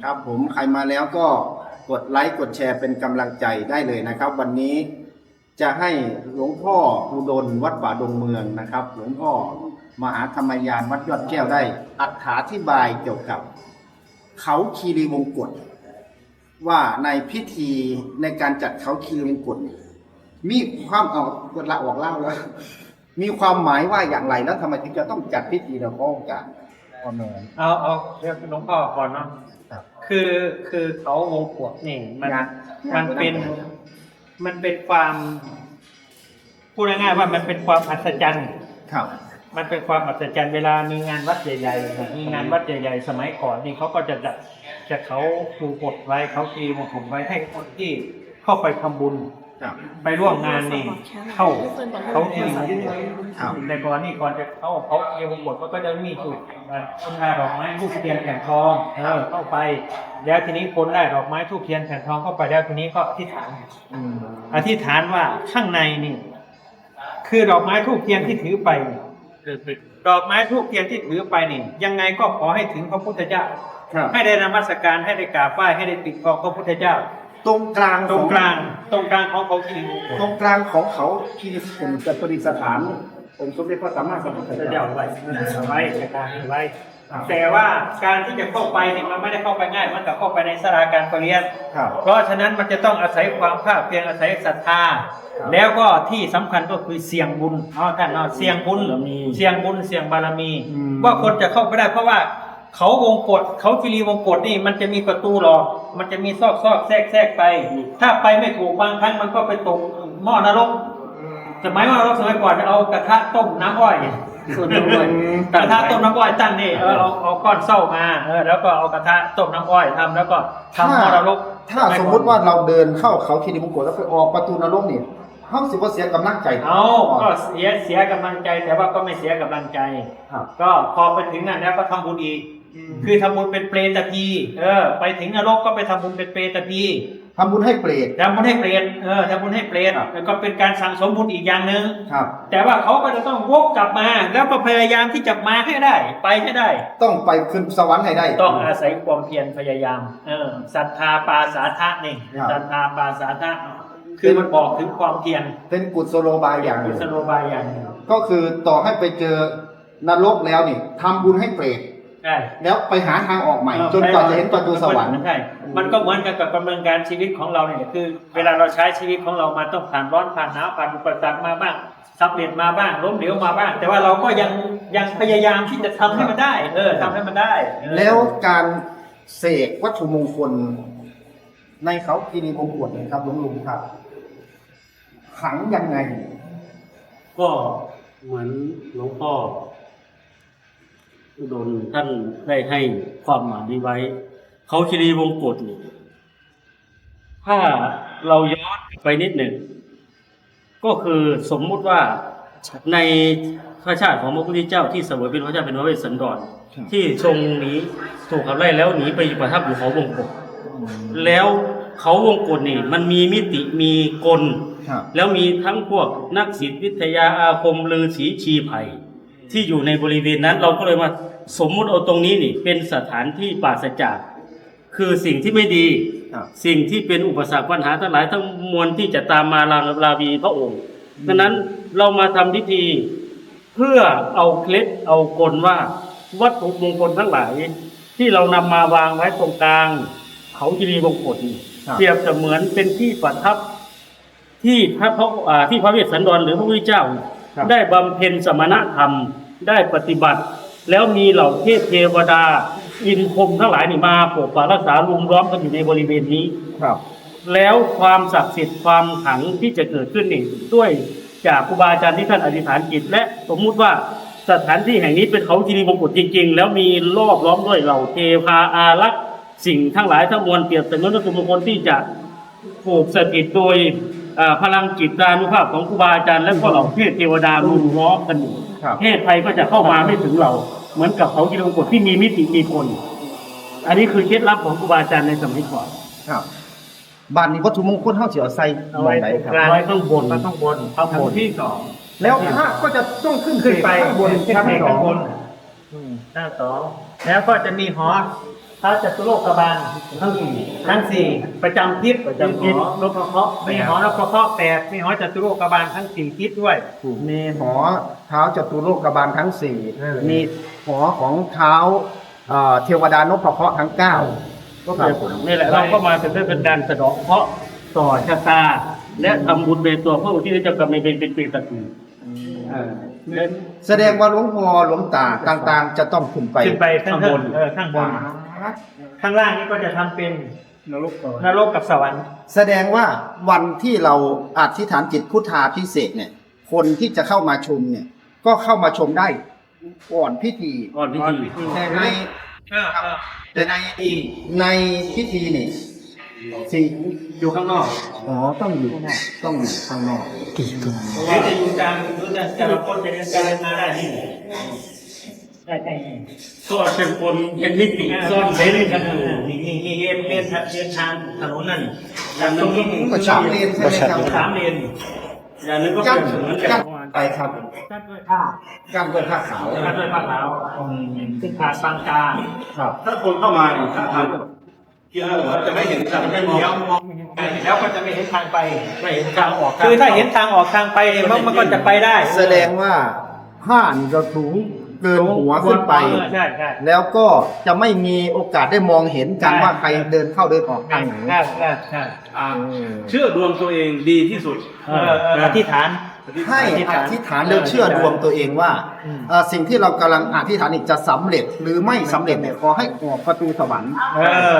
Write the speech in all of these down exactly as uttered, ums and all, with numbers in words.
ครับผมใครมาแล้วก็กดไลค์กดแชร์เป็นกำลังใจได้เลยนะครับ วันนี้จะให้หลวงพ่ออุดมวัดป่าดงเมืองนะครับ หลวงพ่อมหาธรรมยานวัดยอดแก้วได้อธิบายเกี่ยวกับเขาคีรีวงกฏว่าในพิธีในการจัดเขาคีรีวงกฏมีความออกกฎละออกเล่าแล้ว มีความหมายว่าอย่างไรแล้วทำไมถึงจะต้องจัดพิธีเราก็การอ๋อเนยเอาเอาเรียกหลวงพ่อก่อนเนาะครับคือคือเขาวงกฏนี่มันมันเป็นมันเป็นความพูดง่ายๆว่ามันเป็นความอัศจรรย์ครับมันเป็นความอัศจรรย์เวลามีงานวัดใหญ่ๆนะมีงานวัดใหญ่ๆสมัยก่อนนี่เขาก็จะจัดจะเขาปูกฎไว้เขาตีมงคลไว้ให้คนที่เข้าไปทำบุญครับไปร่วมงานนี่เข้าเขาตีมงคลครับในก่อนนี่ก่อนจะเข้าเขาเอวหมดก็จะมีจุดต้นไม้ดอกไม้ทูบเทียนแผ่นทองเออเข้าไป แล้วทีนี้คนได้ดอกไม้ทูบเทียนแผ่นทองเข้าไปแล้วทีนี้ก็อธิษฐานอืมอธิษฐานว่าข้างในนี่ คือดอกไม้ทูบเทียนที่ถือไปดอกไม้ทูบเทียนที่ถือไปนี่ ยังไงก็ขอให้ถึงพระพุทธเจ้าครับให้ได้นมัสการให้ได้กราบไหว้ให้ได้ติดต่อพระพุทธเจ้าตรงกลางตรงกลางตรงกลางของเขาคือตรงกลางของเขาคีรีวงกฏประดิษฐานองค์สมเด็จพระสัมมาสัมพุทธพระเจ้าเจ้าไว้ไว้ไว้แต่ว่าการที่จะเข้าไปเนี่ยมันไม่ได้เข้าไปง่ายมันกับเข้าไปในสลาการประเรียนครับเพราะฉะนั้นมันจะต้องอาศัยความภาคเพียรอาศัยศรัทธา แล้วก็ที่สำคัญก็คือเสี่ยงบุญเนาะท่านเนาะเสี่ยงบุญเสี่ยงบุญเสี่ยงบารมี ว่าคนจะเข้าไปได้เพราะว่าเขาวงกฏเขาคีรีวงกฏนี่มันจะมีประตูหรอกมันจะมีซอกซอกแทรกแทรกไป ถ้าไปไม่ถูกบางครั้งมันก็ไปตกหม้อนรกสมัยหม้อนรกสมัยก่อนจะเอากระทะต้มน้ำอ้อยส่วนตัวเลยกระทะต้มน้ำอ้อยตั้งนี่เออเอาเอาก้อนเส้ามาเออแล้วก็เอากระทะต้มน้ำอ้อยทำแล้วก็ทำหม้อนรกถ้าสมมุติว่าเราเดินเข้าเขาคีรีวงกฏแล้วไปออกประตูนรกนี่เขาสิว่าเสียกำลังใจเอาก็เสียเสียกำลังใจแต่ว่าก็ไม่เสียกำลังใจครับก็พอไปถึงนั่นแล้วก็ทำบุญอีก คือทำบุญเป็นเปรตพีเออไปถึงนรกก็ไปทำบุญเป็นเปรตพีทำบุญให้เปรตทำบุญให้เปรตเออทำบุญให้เปรตครับแล้วก็เป็นการสั่งสมบุญอีกอย่างหนึ่งครับแต่ว่าเขาก็จะต้องวกกลับมา แล้วก็พยายามที่จะมาให้ได้ ไปให้ได้ต้องไปขึ้นสวรรค์ให้ได้ต้องอาศัยความเพียรพยายามเออศรัทธาปาสาทะนี่ครับศรัทธาปาสาทะคือมันบอกถึงความเพียรเป็นกุศโลบายอย่างหกุนึ่งศโลบายอย่างหนึ่งก็คือต่อให้ไปเจอนรกแล้วนี่ทำบุญให้เปรตใช่แล้วไปหาทางออกใหม่ จนกว่าจะเห็นประตูสวรรค์ใช่ มันก็เหมือนกันกับดำเนินการชีวิตของเราเนี่ยคือ เวลาเราใช้ชีวิตของเรามาต้องผ่านร้อนผ่านหนาวผ่านอุปสรรคมาบ้างสำเร็จมาบ้างล้มเหลวมาบ้าง แต่ว่าเราก็ยังยังพยายามที่จะทำให้มันได้ เออทำให้มันได้เออแล้วการเสกวัตถุมงคล ในเขาคีรีวงกฏนะครับหลวงลุงครับขลังยังไงก็เหมือนหลวงพ่ออุดมท่านได้ให้ความหมายนี้ไว้ เขาคีรีวงกฏนี่ถ้าเราย้อนไปนิดหนึ่ง ก็คือสมมุติว่าในพระชาติของพระพุทธเจ้าที่เสวยเป็นพระเจ้าเป็นพระเวสสันดรครับที่ทรงหนีถูกขับไล่แล้วหนีไปประทับอยู่เขาวงกฏแล้วเขาวงกฏนี่มันมีมิติมีกลครับแล้วมีทั้งพวกนักศิลปวิทยาอาคมฤาษีชีไผ่ที่อยู่ในบริเวณนั้น เราก็เลยมาสมมุติเอาตรงนี้นี่เป็นสถานที่ปราศจากคือสิ่งที่ไม่ดีครับสิ่งที่เป็นอุปสรรคปัญหาทั้งหลายทั้งมวลที่จะตามมาลาลาวีพระองค์ดังนั้นเรามาทำพิธีเพื่อเอาเคล็ดเอากลว่าวัตถุมงคลทั้งหลาย ที่เรานำมาวางไว้ตรงกลางเขาคีรีวงกฏนี่ครับเปรียบเสมือนเป็นที่ประทับ ที่พระพระอ่าที่พระเวสสันดรหรือพระพุทธเจ้าครับได้บำเพ็ญสมณธรรมได้ปฏิบัติ แล้วมีเหล่าเทพเทวดา อินพรหมทั้งหลายนี่มาปกปักรักษาลุมล้อมกันอยู่ในบริเวณนี้ครับแล้วความศักดิ์สิทธิ์ความขลังที่จะเกิดขึ้นนี่ด้วยจากครูบาอาจารย์ที่ท่านอธิษฐานจิต และสมมุติว่าสถานที่แห่งนี้เป็นเขาคีรีวงกฏจริง ๆ แล้วมีรอบล้อมด้วยเหล่าเทพาอารักษ์สิ่งทั้งหลายทั้งมวลเปรียบเสมือนวัตถุมงคลที่จะผูกสถิตโดยอ่าพลังจิตานุภาพของครูบาอาจารย์และก็เหล่าเทพเทวดารุมล้อมกันอยู่ครับเทพไทยก็จะเข้ามาไม่ถึงเรา เหมือนกับเขาคีรีวงกฏที่มีมิติมีคน อันนี้คือเคล็ดลับของครูบาอาจารย์ในสมัยก่อนครับบ้านนี้วัตถุมงคลเฮาสิเอาใส่เอาไว้ไหนตรงครักลางบไว้ข้างบนมาข้างบนข้างบนที่สองแล้วพระก็จะต้องขึ้นขึ้นไปข้างบนชั้นสองข้างบน หน้าสองแล้วก็จะมีหอพระจตุโลกบาลทั้งสี่ทั้งสี่ประจำทิศประจำทิศนพเคราะห์มีหอนพเคราะห์แปดมีหอจตุโลกบาลทั้งสี่ทิศด้วยมีหอเท้าจตุโลกบาลทั้งสี่มีหอของเท้าเอ่อเทวดานพเคราะห์ทั้งเก้าก็เป็นนี่แหละเราก็มาเป็นเพื่อเป็นการสะเดาะเคราะห์ต่อชะตา และทำบุญในตัวพระอุทิศเจ้ากรรมในายเวรเป็นปีตระกูลแสดงว่าหลวงพ่อหลวงตาต่างๆ จะต้องขึ้นไปขึ้นไปข้างบนเออข้างบนข้างล่างนี่ก็จะทำเป็นนรกนรกกับสวรรค์แสดงว่าวันที่เราอธิษฐานจิตพุทธาพิเศษกเนี่ย คนที่จะเข้ามาชมเนี่ย ก็เข้ามาชมได้ก่อนพิธีก่อนพิธีแต่ในเออเออแต่ในในพิธีนี่สิอยู่ข้างนอกอ๋อต้องอยู่ต้องอยู่ข้างนอกหรือจะอยู่กลางหรือจะแต่ละคนจะเดินการมาได้ที่ได้ได้ก็เป็นคนเป็นนิติซ่อนเร้นกันอยู่นี่นี่นี่เรียนเรียนทางเรียนทางถนนนั่นอย่างนึงก็ก็สามเลนใช่ไหมครับสามเลนอย่างนึงก็กั้นเป็นเหมือนกักั้บนไปครับกั้นด้วยผ้ากั้นด้วยผ้าขาวกั้นด้วยผ้าขาวซึ่งขาดบางกาครับถ้าคนเข้ามาเนี่ยถ้าทางที่เราจะไม่เห็นจะไม่มองแล้วก็จะไม่เห็นทางไปไม่เห็นทางออกคือถ้าเห็นทางออกทางไปเนี่ยมันมันก็จะไปได้แสดงว่าผ้านี่จะสูงเกินหัวขึ้นไปใช่ใช่แล้วก็จะไม่มีโอกาสได้มองเห็นกันว่าใครเดินเข้าเดินออกทางไหนใช่ใช่ใช่อ่าเชื่อดวงตัวเองดีที่สุดเออเอออธิษฐานให้อธิษฐานแล้วเชื่อดวงตัวเองว่าเอ่อสิ่งที่เรากำลังอธิษฐานนี่จะสำเร็จหรือไม่สำเร็จเนี่ยขอให้ออกประตูสวรรค์เออ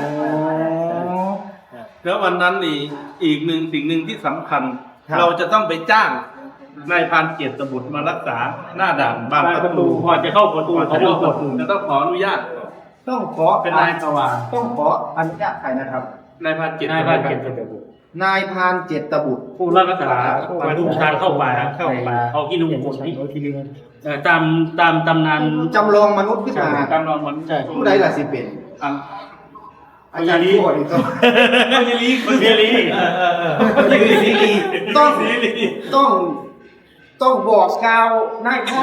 แล้ววันนั้นนี่อีกหนึ่งสิ่งหนึ่งที่สำคัญครับเราจะต้องไปจ้างนายพรานเกียรติบุตรมารักษาหน้าด่านบางประตูก่อนจะเข้าประตูก่อนเขาจะต้เข้าองปกระดตูจะต้องขออนุญาตต้องขอเป็นนายสว่างต้องขออนุญาตใครนะครับนายพรานเกียรตินายพรานเกียรติบุตรนายพรานเจตบุตรผู้รักษาประตูทางเข้าป่าเข้าป่าเอาที่ลุงคนที่เอ่อตามตามตำนานจำลองมนุษย์ขึ้นมาการนอนมันใช่ผู้ใดล่ะสิเป็นอันอาจารย์พูดอีกต้องคนเยลีคนเยลีเออเออเออคือสีดีต้องต้องต้องบอกกล่าวนายพ่อ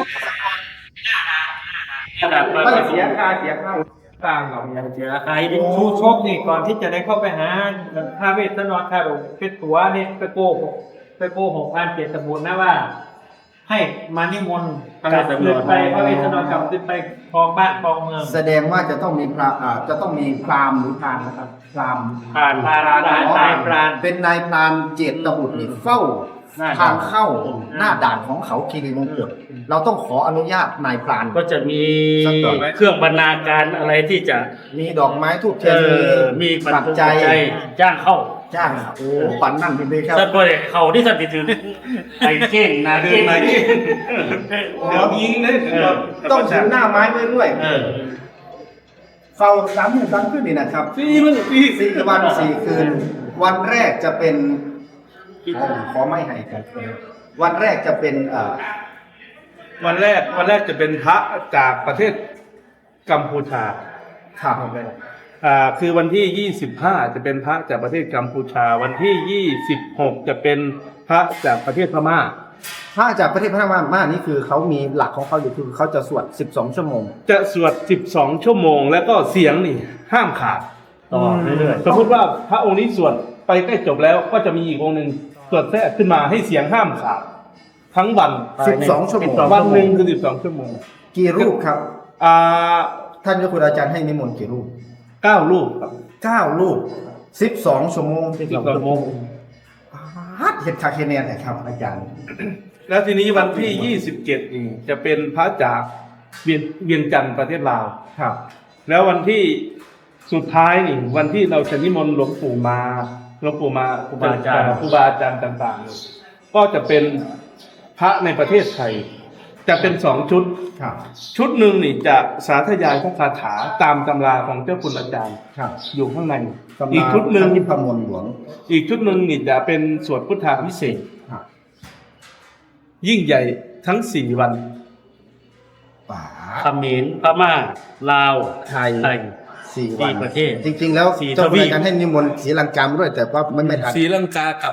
ขนาดมาไม่เสียค่าเสียค่าต่างหรอกเสียใครดิชูชกนี่ก่อนที่จะได้เข้าไปหาพระเวสสันดรคารุเป็นตัวเนี่ยไปโกหกไปโกหกพานเกียรติบุตรนะว่า ให้มานิมนต์กลับขึ้นไปพระเวสสันดรกลับขึ้นไปครองบ้านครองเมืองแสดงว่าจะต้องมีพระอ่าจะต้องมีพราหมณ์หรือพรานนะครับพราหมณ์ผ่านพรานพรานนายพรานเป็นนายพรานเจตบุตรนี่เฝ้าหน้าทางด่านเข้าหน้าด่านของเขาคีรีวงกฏเราต้องขออนุญาตนายพรานก็จะมีสักหน่อยเครื่องบรรณาการอะไรที่จะมีดอกไม้ทูบเทีเอยนอมีปัปัจจจัจัยยจ้างเข้าจ้างโอ้ปันนั่นเป็นเลยครับสัตว์ก็เลยเขาที่สัตว์ติดถือไอ้เก่งนาเก่งเดี๋ยวยิงเลยเออต้องถือหน้าไม้ไว้ด้วยเออเฝ้าสามหมื่นสามคืนนี่นะครับสี่มันสี่สี่วันสี่คืน วันแรกจะเป็นขอขอไม่ให้กันวันแรกจะเป็นเอ่อวันแรกวันแรกจะเป็นพระจากประเทศกัมพูชาข่าวอ่าคือวันที่ยี่สิบห้าจะเป็นพระจากประเทศกัมพูชา วันที่ยี่สิบหกจะเป็นพระจากประเทศพม่าถ้าจากประเทศพม่ามานี่คือเขามีหลักของเขาอยู่คือเขาจะสวดสิบสองชั่วโมงจะสวดสิบสองชั่วโมง แล้วก็เสียงนี่ห้ามขาดต่อเรื่อยสมมติว่าพระองค์นี้สวดไปใกล้จบแล้วก็จะมีอีกองค์หนึ่งสวดแทรกขึ้นมาให้เสียงห้ามขาด ทั้งวันสิบสองชั่วโมงวันหนึ่งคือสิบสองชั่วโมงกี่รูปครับอ่าท่านเจ้าคุณอาจารย์ให้นิมนต์กี่รูปเก้ารูปครับเก้ารูปสิบสองชั่วโมงๆสิบสองชั่วโมงฮัดเห็ดคาเคเนียนนะครับ อาจารย์แล้วทีนี้วันที่ยี่สิบเจ็ดนี่จะเป็นพระจากเวียนเวียงจันทร์ประเทศลาวครับแล้ววันที่สุดท้ายนี่วันที่เราจะนิมนต์หลวงปู่มาหลวงปู่มาครูบาอาจารย์ครูบาอาจารย์ต่างๆ ก็จะเป็นพระในประเทศไทย จะเป็นสองชุดครับชุดหนึ่งนี่จะสาธยายพระคาถาตามตำราของเจ้าคุณอาจารย์ครับอยู่ข้างในตำราอีกชุดหนึ่งท่านิพมลหลวงอีกชุดหนึ่งนี่จะเป็นสวดพุทธาพิเศษกครับยิ่งใหญ่ทั้งสี่วันป่าเขมรพม่าลาวไทยไทยสี่วันสี่ประเทศจริง ๆ แล้วสี่เจ้าคุณทวีปอาจารย์ให้นิมนต์ศรีลังกามาด้วย แต่ว่าไม่ไม่ทันศรีลังกากับ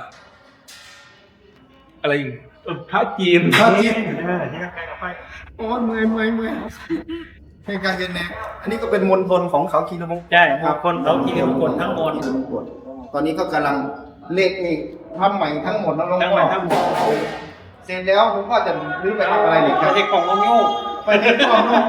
อะไรอีกเอ่อพระจีนพระจีนเออที่นั่นไปกับไปโอ้ยเมื่อยเมื่อยเมื่อยเหตุการณ์เย็นแน่อันนี้ก็เป็นมณฑลของเขาคีรีวงศ์ใช่ครับคนเขาคีรีวงกฏทั้งหมดคีรีวงศ์ตอนนี้ก็กำลังเลขนี่ทำใหม่ทั้งหมดนะหลวงทั้งหมพ่อดทั้งหมดเสร็จแล้วผมก็จะรื้อไปทำอะไรเนี่ยไม่ใช่ของลงยูกไปที่กองลูก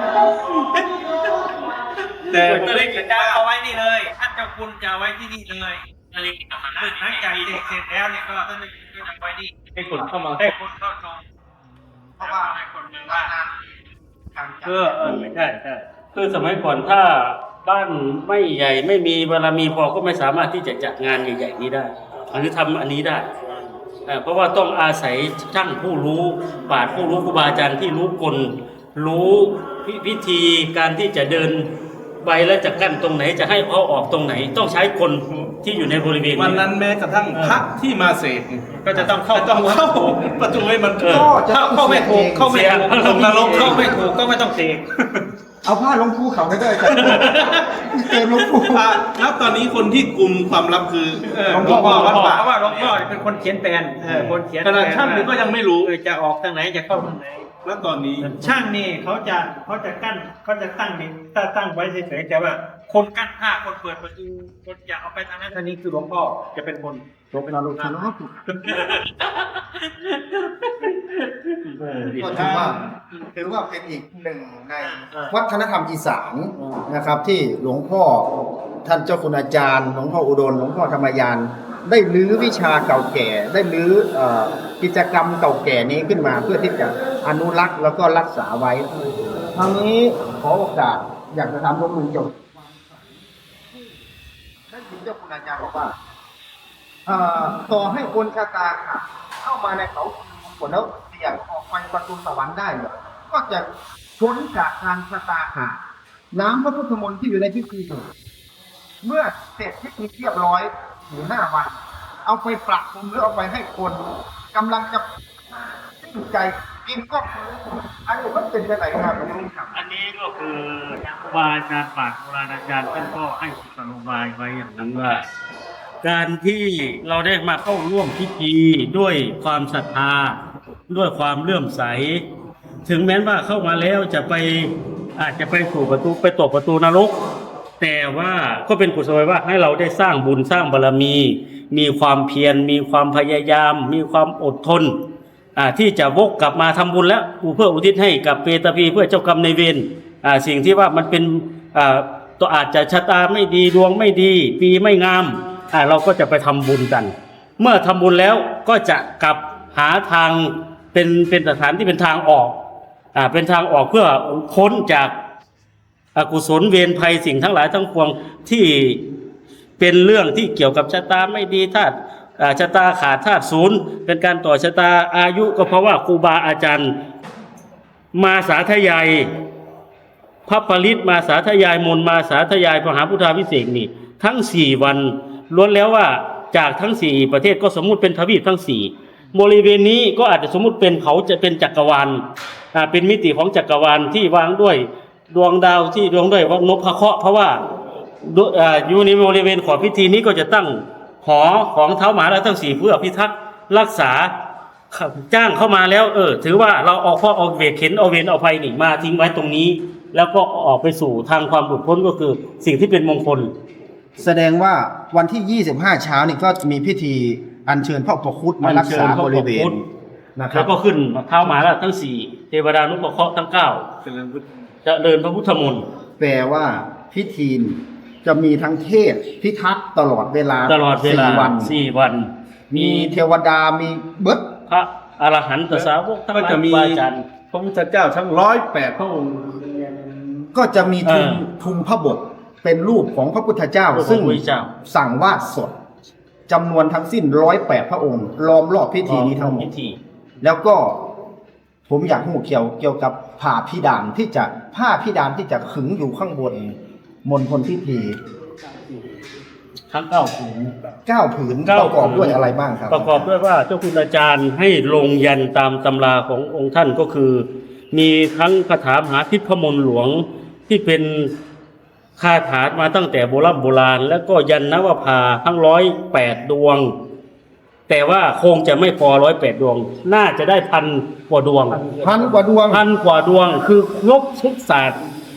แต่ผมเลยจะเอาไว้นี่เลยท่านเจ้าคุณจะเอาไว้ที่นี่เลยอะไรหลังจากเด็กเสร็จแล้วเนี่ยก็ท่านจะเอาไว้นี่ให้คนเข้ามาให้คนเข้าชมเพราะว่าให้คนเมืองว่าทางจัดเออเออไม่ใช่ใช่คือสมัยก่อนถ้าบ้านไม่ใหญ่ไม่มีบารมีพอก็ไม่สามารถที่จะจัดงานใหญ่ๆนี้ได้หรือทำอันนี้ได้เอ่อเพราะว่าต้องอาศัยช่างผู้รู้ปราชญ์ผู้รู้ครูบาอาจารย์ที่รู้กลรู้พิพิธีการที่จะเดินไปแล้วจะกั้นตรงไหนจะให้เขาออกตรงไหน ต้องใช้คนที่อยู่ในบริเวณวันนั้นแม้กระทั่งพระที่มาเสกก็จะต้องเข้าต้องเข้าประตูให้มันเออเข้าเข้าไม่ถูกเข้าไม่ถูกเสียงเข้าไม่ถูกเข้าไม่ถูกก็ไม่ต้องเสกเอาผ้าลงภูเขาไปด้วยกันเกมลงภูพระแล้วตอนนี้คนที่กลุ่มความลับคือเออหลวงพ่อวัดป่าเพราะว่าหลวงพ่อเป็นคนเขียนแปลนเออคนเขียนขนาดช่างนี่ก็ยังไม่รู้เออจะออกทางไหนจะเข้าทางไหนแล้วตอนนี้ช่างนี่เขาจะเขาจะกั้นเขาจะตั้งนี่ถ้าตั้งไว้เฉยๆแต่ว่า คนกั้นผ้าคนเปิดประตูคนอยากเอาไปทางนั้นทางนี้คือหลวงพ่อจะเป็นคนลงไปนอนลงทุนแล้วก็ถูกก็ถือว่าถือว่าเป็นอีกหนึ่งในวัฒนธรรมอีสานนะครับ ที่หลวงพ่อท่านเจ้าคุณอาจารย์หลวงพ่ออุดมหลวงพ่อธรรมยาน ได้รื้อวิชาเก่าแก่ ได้รื้อเอ่อกิจกรรมเก่าแก่นี้ขึ้นมาเพื่อที่จะอนุรักษ์แล้วก็รักษาไว้ทางนี้ขอโอกาสอยากจะทำร่วมมือจบท่านเจ้าคุณอาจารย์บอกว่าเอ่อต่อให้คนชะตาขาดเข้ามาในเขาผลแล้วเสี่ยงออกไปประตูสวรรค์ได้เนี่ยก็จะพ้นจากการชะตาขาดน้ำพระพุทธมนต์ที่อยู่ในพิธีเมื่อเสร็จพิธีเรียบร้อยหรือห้าวัน เอาไปปรับปรุงหรือเอาไปให้คนกำลังจะสิ้นใจกินก็คืออันนี้มันเป็นยังไงครับหลวงพ่อครับอันนี้ก็คือครูบาอาจารย์ปราชญ์โบราณอาจารย์ท่านก็ให้กุศโลบายไว้อย่างนั้นว่า การที่เราได้มาเข้าร่วมพิธีด้วยความศรัทธาด้วยความเลื่อมใส ถึงแม้ว่าเข้ามาแล้วจะไปอาจจะไปสู่ประตูไปตกประตูนรก แต่ว่าก็เป็นกุศโลบายว่าให้เราได้สร้างบุญสร้างบารมี มีความเพียรมีความพยายาม มีความอดทนอ่าที่จะวกกลับมาทำบุญแล้วเพื่ออุทิศให้กับเปตพีเพื่อเจ้ากรรมในายเวรอ่าสิ่งที่ว่ามันเป็นอ่าตัวอาจจะชะตาไม่ดีดวงไม่ดี ปีไม่งามอ่าเราก็จะไปทำบุญกัน เมื่อทำบุญแล้วก็จะกลับหาทางเป็นเป็นสถานที่เป็นทางออกอ่าเป็นทางออกเพื่อพ้นจากอกุศลเวรภัยสิ่งทั้งหลายทั้งปวงที่เป็นเรื่องที่เกี่ยวกับชะตาไม่ดีธาตุอ่าชะตาขาดธาตุศูนย์เป็นการต่อชะตาอายุก็เพราะว่าครูบาอาจารย์มาสาธยายพระปริตมาสาธยายมนต์มาสาธยายมหาพุทธาภิเษกนี่ทั้งสี่วันล้วนแล้วว่าจากทั้งสี่ประเทศก็สมมุติเป็นทวีปทั้งสี่บริเวณนี้ก็อาจจะสมมุติเป็นเขาจะเป็นจักรวาลอ่าเป็นมิติของจักรวาลที่วางด้วยดวงดาวที่ดวงด้วยวังนพเคราะห์เพราะว่าอยู่ในบริเวณของพิธีนี้ก็จะตั้งหอของเท้าหมาแล้วทั้งสี่เพื่อพิทักษ์รักษาจ้างเข้ามาแล้วเออถือว่าเราเอาข้อเอาเวรเข็นเอาเวรเอาภัยนี่มาทิ้งไว้ตรงนี้ แล้วก็ออกไปสู่ทางความหลุดพ้นก็คือสิ่งที่เป็นมงคลแสดงว่าวันที่ยี่สิบห้าเช้านี่ก็มีพิธีอัญเชิญพระอุปคุตมารักษาบริเวณนะครัแล้บวก็ขึ้นเท้าหมาแล้วทั้งสี่เทวดานุปเคราะห์ทั้งเก้าจะเดินพระพุทธมนต์แปลว่าพิธีจะมีทั้งเทศพิทักษ์ตลอดเวลาตลอดเวลาสี่วันสี่วันมีเทวดามีเบิดพระอรหันตสาวกทั้งหก็ลายจะมีครูบาอาจารย์พระพุทธเจ้าทั้งร้อยแปดพระองค์ก็จะมีทุงเออทุงพระบทเป็นรูปของพระพุทธเจ้ารูปของซึ่งพระพุทธเจ้าสั่งวาดสดจำนวนทั้งสิ้นร้อยแปดพระองค์ล้อมรอบพิธีนี้ทั้งหมดพิธีแล้วก็ผมอยากหูเกี่ยวเกี่ยวกับผ้าพิดานที่จะผ้าพิดานที่จะขึงอยู่ข้างบนมณฑลพิธีทั้งเก้าผืนเก้าผืนเก้าประกอบผืนด้วยอะไรบ้างครับประกอบด้วยว่าเจ้าคุณอาจารย์ให้ลงยันตามตำราขององค์ท่านก็คือ มีทั้งคาถามหาทิพมนต์หลวงที่เป็นคาถามาตั้งแต่โบราณโบราณ แล้วก็ยันนวภาทั้งร้อยแปดดวง แต่ว่าคงจะไม่พอร้อยแปดดวง น่าจะได้พันกว่าดวงพันกว่าดวงพันกว่าดวงคือครบทุกศาสตร์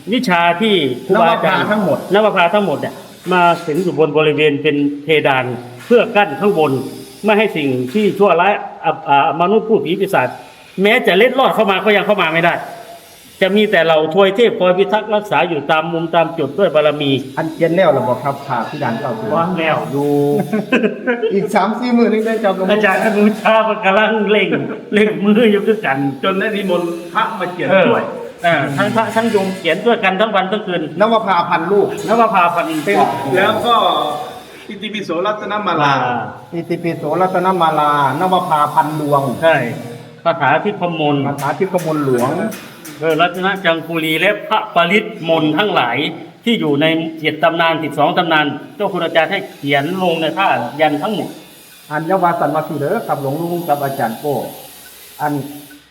วิชาที่ครูบาอาจารย์นวภาทั้งหมดนวภาทั้งหมดเนี่ยมาถึงอยู่บนบริเวณเป็นเพดานเพื่อกั้นข้างบนไม่ให้สิ่งที่ชั่วร้ายอ่ะอ่ามนุษย์ผู้ผีปีศาจแม้จะเล็ดลอดเข้ามาก็ยังเข้ามาไม่ได้ จะมีแต่เราทวยเทพคอยพิทักษ์รักษาอยู่ตามมุมตามจุดด้วยบารมีอันเขียนแล้วระบบครับผ่าที่ด่านเก้าถึงว่างแล้วดูอีกสามสี่หมื่นนึงได้จับอาจารย์อนุชามันกำลังเล่งเล่งมืออยู่ด้วยกันจนได้นิมนต์พระมาเขียนเออช่วยอ่าทั้งพระทั้งโยมเขียนด้วยกันทั้งวันทั้งคืนนวภาพันลูกนวภาพันธ์เป็นแล้วก็อิติปิโสรัตนมาลาอิติปิโสรัตนมาลานวภาพันดวงใช่คาถาที่พมลคาถาทิพย์กมลหลวงเออรัตนจังคุรีและพระปริตมนต์ทั้งหลายที่อยู่ในเจ็ดตำนานสิบสองตำนานเจ้าคุณอาจารย์ให้เขียนลงในท่ายันทั้งหมดอันยวาสันมาสีเด้อกับหลวงลุงกับอาจารย์โป้อัน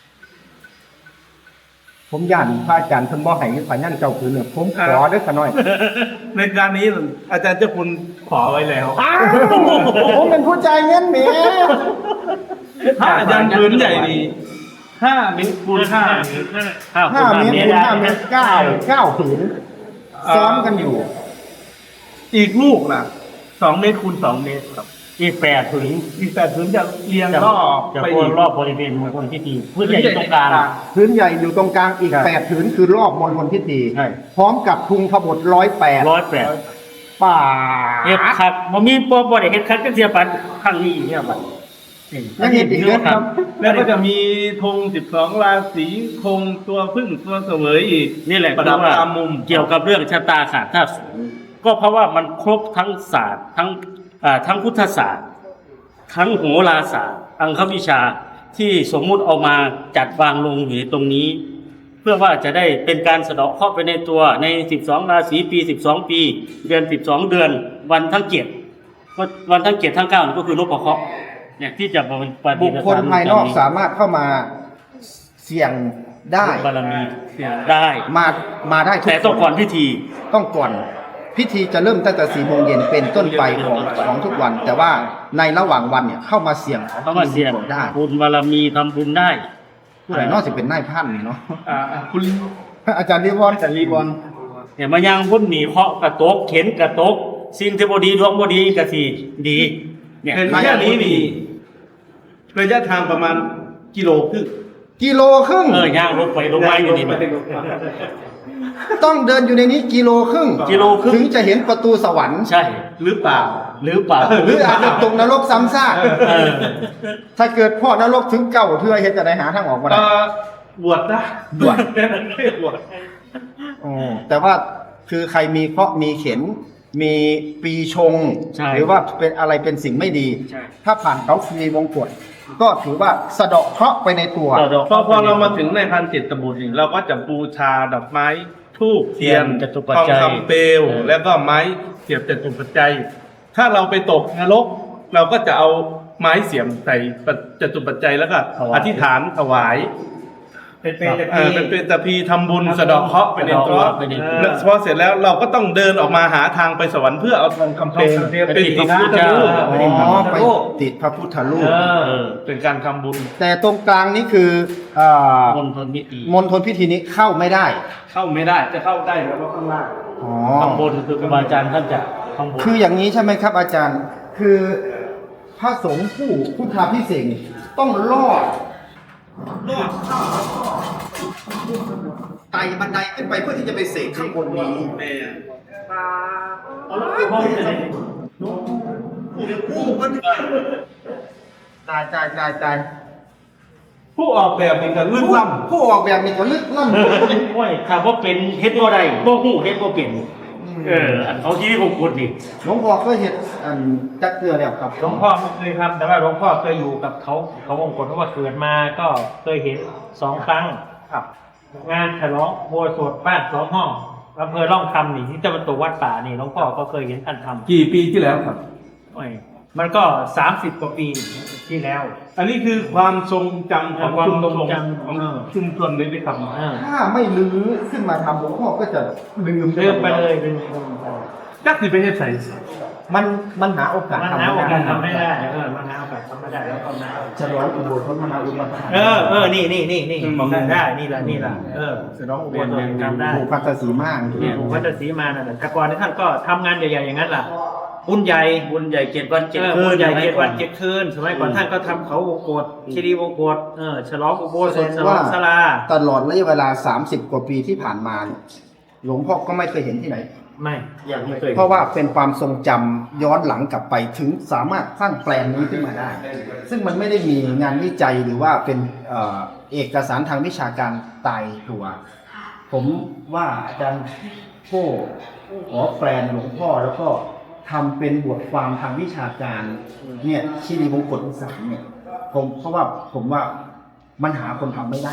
ผมย่านพระอาจารย์เพิ่นบ่ให้พยันเจ้าคือเนี่ยผมขอเด้อขะน้อยในการนี้อาจารย์เจ้าคุณขอไว้แล้วผมเป็นผู้จ่ายเงินแหมถ้าอาจารย์พื้นใหญ่ดีห้าเมตรคูณห้าห้าห้าเมตรคูณห้าเมตรเก้าเก้าผืนซ้อมกันอยู่อีกลูกน่ะสองเมตรคูณสองเมตรครับอีกแปดถึงอีกแปดพื้นจะเรียงจะรอบจะไปโคอีกรอบบริเวณมณฑลพิธีพื้นใหญ่อยู่ตรงกลางพื้นใหญ่อยู่ตรงกลางอีกครับแปดผืนคือรอบมณฑลพิธีใช่พร้อมกับทุงขบถร้อยแปดร้อยแปดป่าเฮ็ดคักบ่มีบ่บ่ได้เฮ็ดคักจังเสียปันครั้งนี้เนี่ยบัดนี่ยังเห็นอีกเยอะครับแล้วก็จะมีธงสิบสองราศีธงตัวพึ่งตัวเสวยอีกนี่แหละประดับคือว่าตามมุมเกี่ยวกับเรื่องชะตาขาดธาตุศูนย์ก็เพราะว่ามันครบทั้งศาสตร์ทั้งอ่าทั้งพุทธศาสตร์ ทั้งโหราศาสตร์อังควิชาที่สมมุติเอามาจัดวางลงอยู่ในตรงนี้ เพื่อว่าจะได้เป็นการสะเดาะเคราะห์ไปในตัวในสิบสองราศีปีสิบสองปี เดือนสิบสองเดือน วันทั้งเกียรติก็วันทั้งเกียรติทั้งเก้านี่ก็คือนพเคราะห์เนี่ยที่จะมาเป็นปฏิบุคคลภายนอกสามารถเข้ามาเสี่ยงได้บารมีได้มามาได้ทุกแต่ต้องก่อนพิธีต้องก่อน พิธีจะเริ่มตั้งแต่สี่โมงเย็นเป็นต้นไปของของทุกวัน แต่ว่าในระหว่างวันเนี่ยเข้ามาเสี่ยงเขามาเสี่ยงได้บุญบารมีทำบุญได้ผู้ใดนอกสิเป็นนายพันนี่เนาะอ่าอ่าคุณอาจารย์รีวอนอาจารย์รีวอนเนี่ยมายังพุ่นหนีเคาะกระตกเข็นกระตกสิ่งที่บดีดวงบดีกระสีดีเนี่ยเห็นแค่นี้นี่ระยะทางประมาณกิโลครึ่งกิโลครึ่งเออย่างลงไปลงมาอยู่นี่ต้องเดินอยู่ในนี้กิโลครึ่งกิโลครึ่งถึงจะเห็นประตูสวรรค์ใช่หรือเปล่าหรือเปล่าหรืออาจจะตกนรกซ้ำซากเออถ้าเกิดพ่อนรกถึงเก่าเทื่อเฮ็ดจะได้หาทางออกมาเอ่ได้อบวชนะบวชแค่นั้นแค่บวชอ๋อแต่ว่าคือใครมีเคราะห์มีเข็น มีปีชงใช่หรือว่าเป็นอะไรเป็นสิ่งไม่ดีใช่ถ้าผ่านเขาฟรีวงกฎก็ถือว่าสะเดาะเคราะห์ไปในตัวต่อดอกพอพอเรามาถึงในพันเจ็ดตบุตรนี่เราก็จะบูชาดอกไม้ทูบเทียนจตุปัจทองจัยคำเปลวแล้วก็ไม้เสียบจตุปัจจัย ถ้าเราไปตกนรก เราก็จะเอาไม้เสียมใส่จตุปัจจัยแล้วก็อธิษฐานถวายเป็นเป็นตะเอพีอเป็นเป็นตะพีทำบุญสะเดอกเคราะห์ไปในตัวสะเดาะเคราะห์ไปในตัวแล้วพอเสร็จแล้วเราก็ต้องเดินออกมาหาทางไปสวรรค์เพื่อเอาทองคำเปลวทองคำเปลวเป็นพระพุทธรูปอ๋อไปติดพระพุทธรูปเออเออเป็นการทำบุญแต่ตรงกลางนี้คืออ่ามณฑลพิธีมณฑลพิธีนี้เข้าไม่ได้เข้าไม่ได้จะเข้าได้แล้วข้างล่างอ๋อข้างบนคือครูบาอาจารย์ท่านจะข้างบนคืออย่างนี้ใช่ไหมครับอาจารย์ คือพระสงฆ์ผู้พุทธาพิเศษกต้องลอดลอดข้ามแล้วก็ไต่บันไดขึ้นไปเพื่อที่จะไปเสกข้างบนนี้เอาแล้วห้องจะไหนตายตายตายตายผู้ออกแบบนี่ก็ลึกผู้ล้ผู้ออกแบบนี้ก็ลึกล้ำโอ้ยถ้าว่าเป็นเฮ็ดบ่ได้บ่ฮู้เฮ็ดบ่เป็นเอออันเขาที่ของคุณนี่หลวงพ่อก็เห็นอันจักเทือแล้วครับหลวงพ่อไม่เคยทำแต่ว่าหลวงพ่อเคยอยู่กับเขาเขาวงกฏเพราะว่าเกิดมาก็เคยเห็นสองครั้งครับ งานฉลองโบสถ์บ้านสองห้องอำเภอร่องคำนี่ที่ตะวันตกวัดป่านี่หลวงพ่อก็เคยเห็นท่านทำกี่ปีที่แล้วครับำโอ้ยมันก็สามสิบกว่าปีที่แล้วอันนี้คือความทรงจำของความชุมทชรงนจำของเออชุมชนเลยได้ครับอ่าถ้าไม่ลื้อขึ้นมาทำหลวงพ่อก็จะลืมลืมไปเลยลืมไปเลยจักสิไปเฮ็ดใส่มันมันหาโอกาสมันทำหาโอกาสทำไม่ไม่ได้ได้เออมันหาโอกาสทำไม่ได้แล้วก็มาฉลองอุโบสถมหาอุปทานเออเออนี่นี่นี่นี่บอกได้ได้นี่แหละนี่แหละเออสนองอุโบสถทำได้ผูกพันธสีมากเนี่ยหลวงพ่อฤาษีมานั่นแหละแต่ก่อนท่านก็ทำงานใหญ่ๆอย่างนั้นล่ะบุญใหญ่บุญใหญ่เจ็ดวันเจ็ดเออคืบุนญใหญ่เจ็ดวันเจ็ดคืนสมัยก่อนท่านก็ทำเขาวงกฏคีรีวงกฏเออฉลองอุโบสถฉลองศาลาตลอดระยะเวลาสามสิบกว่าปีที่ผ่านมาเนี่ยหลวงพ่อก็ไม่เคยเห็นที่ไหนไม่ยังไม่เคยเพราะว่าเป็นความทรงจำย้อนหลังกลับไปถึงสามารถสร้างแปลนนี้ขึ้นมาได้ ซึ่งมันไม่ได้มีงานวิจัยหรือว่าเป็นเอ่อเอกสารทางวิชาการตายตัว ผมว่าอาจารย์โก้ขอแปลนหลวงพ่อแล้วก็ทำเป็นบทความทางวิชาการเนี่ยชีรีมงคลอีสานเนี่ยผมเพราะว่าผมว่ามันหาคนทำไม่ได้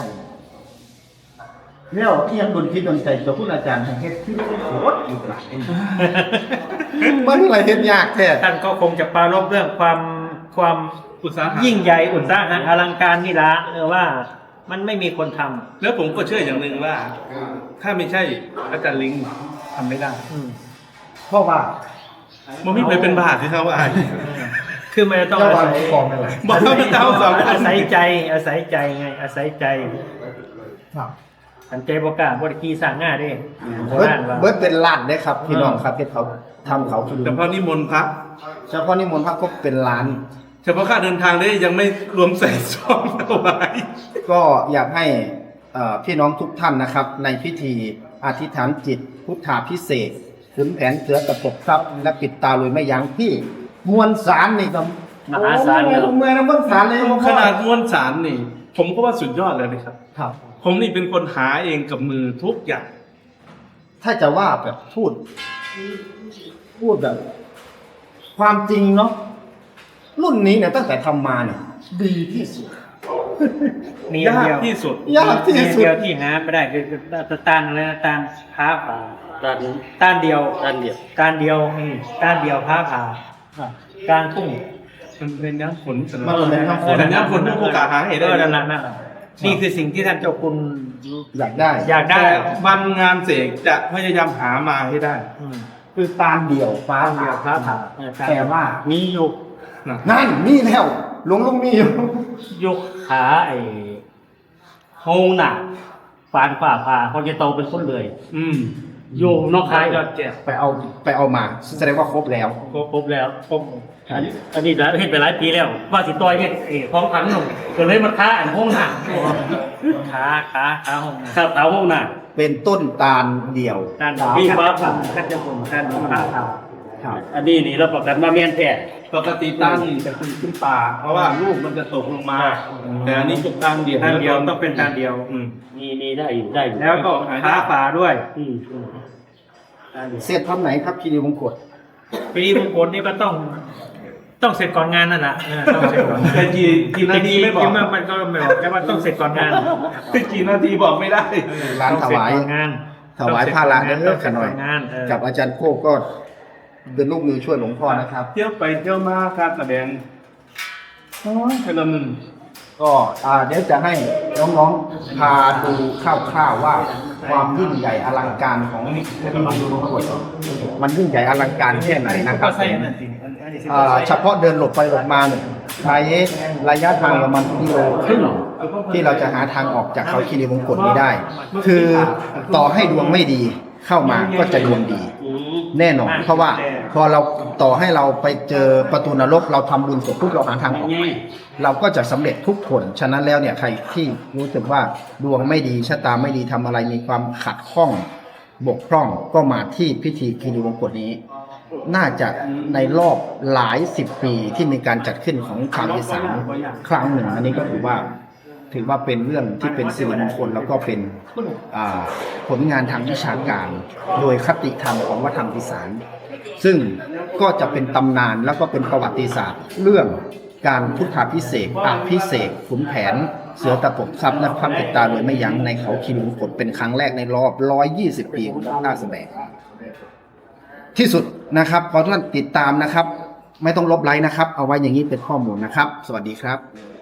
แล้วที่ยังดนคิดดนใจตัวผู้อาจารย์ทางเฮ็ดที่โคตรอยู่หลายมันอะไรเฮ็ดยากแท้ท่านก็คงจะปรารภเรื่องความความอุตสาหะยิ่งใหญ่อุตสาหะอลังการนี่ละเออว่ามันไม่มีคนทำแล้วผมก็เชื่ออย่างหนึ่งว่า ถ้าไม่ใช่อาจารย์ลิงทำไม่ได้อืมเพราะว่ามันไม่เคยเป็นบาทที่เขาว่าคือมันจะต้องเจ้าอาวันศัยกองนั่นแหละบอกว่าเจ้าสองคนอาศัยใจอาศัยใจไงอาศัยใจครับสันใจประกล้าศบริกีสร้างง่ายเด้โบเบิดราณว่าเบิดเป็นล้านได้ครับพี่น้องครับที่เขาทำเขาคือแต่พอนิมนต์พระเฉพาะนิมนต์พระก็เป็นล้านเฉพาะค่าเดินทางได้ยังไม่รวมใส่ซองเอาไว้ก็อยากให้เอ่อพี่น้องทุกท่านนะครับ ในพิธีอธิษฐานจิต พุทธาพิเศษกขุนแผนเสือตะปบทรัพย์และปิดตาเลยไม่ยั้งที่มวลสารนี่ก็มหาศาลโอ้เนี่ยยเมื่อนะมวลสารเลยขนาดมวลสารนี่ ผมก็ว่าสุดยอดเลยนะครับครับผมนี่เป็นคนหาเองกับมือทุกอย่างถ้าจะว่าแบบพูด พูดแบบ ความจริงเนาะรุ่นนี้เนี่ยตั้งแต่ทำมาเนี่ยดีที่สุดมีอย่างยากเดียวที่สุดยากที่มีสุดเดียวที่หาไม่ได้คือคือตานอะไรนะตานพ้าผ่าด้านต้านเดียวด้านเดียวต้านเดียวอืมต้านเดียวพ้าผ่า กลางทุ่งมันเป็นน้ำฝนสำหมัรับนเป็นน้ำฝแต่น้ำฝนผู้ประกาศหาให้ได้เออนั่นแหละนั่นแหละนี่คือสิ่งที่ท่านเจ้าคุณอยากได้อยากได้แต่วันงานเสกจะพยายามหามาให้ได้อืมคือตาลเดี่ยวฟ้าต้านเดียวพ้าผ่าเออแต่ว่ามีอยู่นะนั่นนี่แล้วหลวงลุงมีอยู่ยกขาไอ้โฮงหนักฟานฝ่าผ่าเขาจะโตเป็นคนเลยอืมโยมนอกคายยอดแก่ไปเอาไปเอามา แสดงว่าครบแล้วครบครบแล้วครบอันนี้อันนี้เห็นไปหลายปีแล้ว ว่าสิต่อยเนี่ยเอ๋ของขันหนุ่มก็เลยมาค้าอันโฮงหนักขาขาขาหงครับเท้าโฮงหนักเป็นต้นตาลเดี่ยวต้านมีมีฟ้าฟ้าผ่าผ่าท่านเจ้าคุณท่านพ้าผ่าครับอันนี้นี่เราประกันมาเมียนแท้ปกติตั้งจะขึ้นขึ้นป่า เพราะว่าลูกมันจะตกลงมา แต่อันนี้จุกตั้งเดียวต้านเดียวต้องเป็นต้านเดียวอืมมีมีได้อยู่ได้อยู่แล้วก็พ้าผ่าด้วยอืมอืมได้อยู่เสร็จทำไหนครับคีรีวงกฏปีมงคลนี่ก็ต้อง ต้องเสร็จก่อนงานนั่นแหละเออต้องเสร็จก่อนแต่กี่กี่นาทีไม่บอกจริงๆมันก็ไม่บอกแต่ว่าต้องเสร็จก่อนงานกี่นาทีบอกไม่ได้ร้านถวายต้องเสร็จก่อนงานถวายผ้าละเด้ต้อองเสขร็จน่ก่ออย นงานเออกับอาจารย์โก้ก็เป็นลูกมือช่วยหลวงพ่อนะครับเที่ยวไปเที่ยวมาการแสดงโอ้ยเป็นละมึงก็อ่าเดี๋ยวจะให้น้องๆพาดูคร่าวๆว่าความยิ่งใหญ่อลังการของคีรีวงกฏมันยิ่งใหญ่อลังการแค่ไหนนะครับก็ใช่นั่นสิอันนี้สิอ่าเฉพาะเดินหลบไปหลบมาเนี่ยใช้ระยะทางประมาณกิโลครึ่งที่เราจะหาทางออกจากเขาคีรีวงกฏนี้ได้ คือต่อให้ดวงไม่ดีเข้ามาก็จะดวงดีอืมแน่นอนเพราะว่าพอเราต่อให้เราไปเจอประตูนรกเราทำบุญเสร็จปุ๊บเราหาทางออก เราก็จะสำเร็จทุกคนฉะนั้นแล้วเนี่ยใครที่รู้สึกว่าดวงไม่ดีชะตาไม่ดีทำอะไรมีความขัดข้องบกพร่องก็มาที่พิธีคีรีวงกฏนี้ น่าจะในรอบหลายสิบปีที่มีการจัดขึ้นของชาวอีสานครั้งหนึ่ง อันนี้ก็ถือว่าถือว่าเป็นเรื่องที่เป็นสิริมงคลแล้วก็เป็นอ่าผลงานทางวิชาการ โดยคติธรรมของวัฒนธรรมอีสาน ซึ่งก็จะเป็นตำนานแล้วก็เป็นประวัติศาสตร์ เรื่องการพุทธาภิเษกอภิเษกขุนแผน เสือตะปบทรัพย์และพระปิดตาโดยไม่ยั้งในเขาคีรีวงกฏเป็นครั้งแรกในรอบหนึ่งร้อยยี่สิบปีของท่าแสดงที่สุดนะครับขอท่านติดตามนะครับ ไม่ต้องลบไลค์นะครับ เอาไว้อย่างนี้เป็นข้อมูลนะครับ สวัสดีครับ